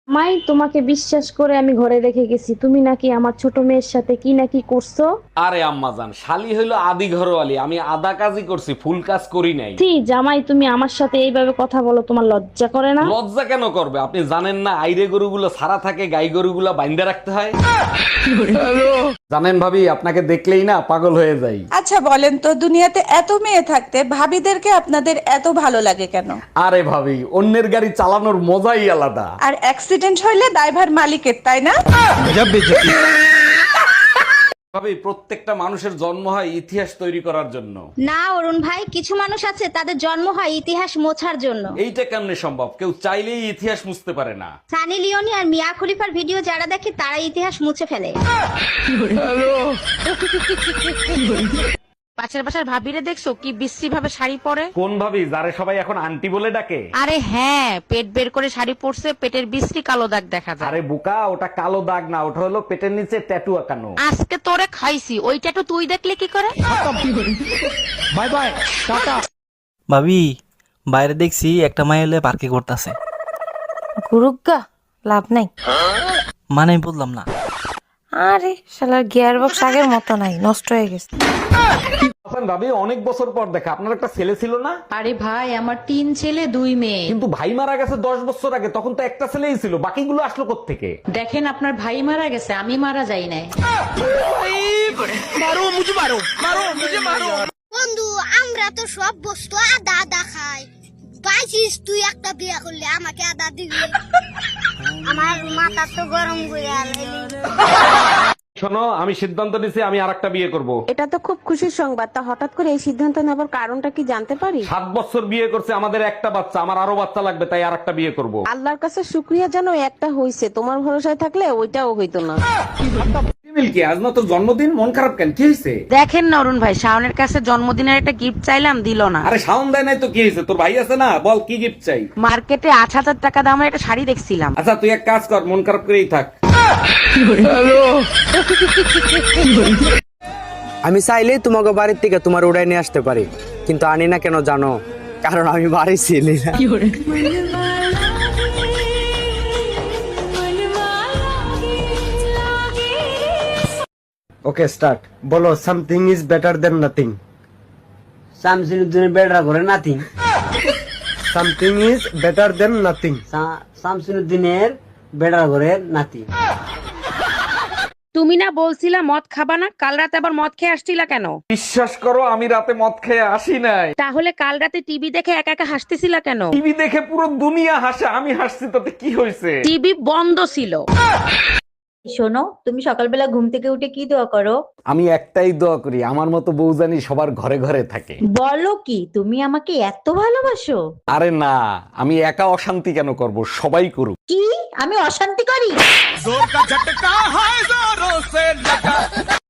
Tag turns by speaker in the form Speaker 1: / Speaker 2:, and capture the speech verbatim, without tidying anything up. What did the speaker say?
Speaker 1: মাই তোমাকে বিশ্বাস করে আমি ঘরে রেখে গেছি, তুমি নাকি আমার ছোট মেয়ের সাথে কি নাকি করছো।
Speaker 2: আরে আম্মাজান, শালি হইলো আদি ঘরওয়ালি, আমি আধা কাজই করছি, ফুল কাজ করি নাই।
Speaker 1: ছি জামাই, তুমি আমার সাথে এইভাবে কথা বলো, তোমার লজ্জা করে না?
Speaker 2: লজ্জা কেন করবে? আপনি জানেন না আইরে গরুগুলো সারা থাকে, গাই গরুগুলো বাইন্দা রাখতে হয়। জানেন ভাবি, আপনাকে দেখলেই না পাগল হয়ে যাই।
Speaker 3: আচ্ছা বলেন তো, দুনিয়াতে এত মেয়ে থাকতে ভাবিদেরকে আপনাদের এত ভালো লাগে কেন?
Speaker 2: আরে ভাবি, অন্যের গাড়ি চালানোর মজাই আলাদা।
Speaker 3: আর অ্যাক্সিডেন্ট হইলে ড্রাইভার মালিকের, তাই না?
Speaker 2: ভাবি, প্রত্যেকটা মানুষের জন্ম হয় ইতিহাস তৈরি করার জন্য।
Speaker 4: না অরুণ ভাই, কিছু মানুষ আছে তাদের জন্ম হয় ইতিহাস মোছার জন্য।
Speaker 2: এইটা কেমনে সম্ভব? কেউ চাইলেই ইতিহাস মুছতে পারে না।
Speaker 4: সানি লিওনি আর মিয়া খলিফার ভিডিও যারা দেখে তারা ইতিহাস মুছে ফেলে।
Speaker 5: পাশের বাসার ভাবিরে দেখছো কি বিশ্রী ভাবে শাড়ি পরে?
Speaker 2: কোন ভাবি, যারে সবাই এখন আন্টি বলে ডাকে?
Speaker 5: আরে হ্যাঁ, পেট বের করে শাড়ি পরছে, পেটের বিশ্রী কালো দাগ দেখা যায়।
Speaker 2: আরে বোকা, ওটা কালো দাগ না, ওটা হলো পেটের নিচে ট্যাটু আঁকানো।
Speaker 5: আজকে তোরে খাইছি, ওইটা তো তুই দেখলে কি করে?
Speaker 6: Bye bye, tata.
Speaker 7: ভাবি, বাইরে দেখছি একটা মাই এলে পার্কে করতেছে।
Speaker 8: গুরুগা লাভ নাই।
Speaker 7: মানে আমি বললাম না।
Speaker 8: আরে শালার গিয়ার বক্স আগের মতো নাই, নষ্ট হয়ে গেছে।
Speaker 2: হাসান ভাবি, অনেক বছর পর দেখা, আপনার একটা ছেলে ছিল না?
Speaker 9: আরে ভাই, আমার তিন ছেলে দুই মেয়ে।
Speaker 2: কিন্তু ভাই মারা গেছে দশ বছর আগে, তখন তো একটা ছেলেই ছিল, বাকিগুলো আসলো কোত্থেকে?
Speaker 9: দেখেন, আপনার ভাই মারা গেছে, আমি মারা যাই নাই।
Speaker 4: বন্ধু, আমরা তো সব বস্তু আদা আদা খাই। বাইছিস তুই একটা বিয়া করলে আমাকে আদা দিবি? আমার মাথা তো গরম করে আলাইলি।
Speaker 2: শোনো, আমি সিদ্ধান্ত নিছি, আমি আর একটা বিয়ে করব।
Speaker 8: এটা তো খুব খুশির সংবাদ, তা হঠাৎ করে এই সিদ্ধান্ত নেবার কারণটা কি জানতে পারি?
Speaker 2: সাত বছর বিয়ে করছে, আমাদের একটা বাচ্চা, আমার আরো বাচ্চা লাগবে, তাই আর একটা বিয়ে করব।
Speaker 8: আল্লাহর কাছে শুক্রিয়া জানো একটা হইছে, তোমার ভরসায় থাকলে ওইটাও হইতো না।
Speaker 2: মিল্কি, আজ না তোর জন্মদিন, মন খারাপ কেন? কি হয়েছে?
Speaker 5: দেখেন না অরুণ ভাই, শাওনের কাছে জন্মদিনের একটা গিফট চাইলাম, দিল না।
Speaker 2: আরে শাওন দেয় নাই তো কি হয়েছে? তোর ভাই আছে না, বল কি গিফট চাই?
Speaker 5: মার্কেটে আট হাজার টাকা দামের একটা শাড়ি দেখছিলাম।
Speaker 2: আচ্ছা তুই এক কাজ কর, মন খারাপ করেই থাক।
Speaker 10: আমি চাইলে তোমাকে বাড়ির থেকে তোমার উড়াই নিয়ে আসতে পারি, কিন্তু আনি না কেন জানো? কারণ আমি বাড়ি ছিলি না।
Speaker 6: Okay start. বলো, something is better than nothing.
Speaker 10: শামসুদ্দিনের বেড়া করে nothing.
Speaker 6: Something is better than nothing.
Speaker 10: শামসুদ্দিনের বেড়া করে নাতি।
Speaker 5: তুমি না বলছিলা মদ খাবা না, কাল রাতে আবার মদ খেয়ে আসছিলা কেন?
Speaker 2: বিশ্বাস করো, আমি রাতে মদ খেয়ে আসি নাই।
Speaker 5: তাহলে কাল রাতে টিভি দেখে একা একা হাসতেছিলা কেন?
Speaker 2: টিভি দেখে পুরো দুনিয়া হাসে, আমি হাসছি, তাতে কি হয়েছে?
Speaker 5: টিভি বন্ধ ছিল।
Speaker 9: শোনো, তুমি সকালবেলা ঘুম থেকে উঠে কি দোয়া করো?
Speaker 2: আমি একটাই দোয়া করি, আমার মতো বউ জানি সবার ঘরে ঘরে থাকে।
Speaker 9: বলো কি, তুমি আমাকে এত ভালোবাসো?
Speaker 2: আরে না, আমি একা অশান্তি কেন করব, সবাই করুক।
Speaker 9: কি আমি অশান্তি করি?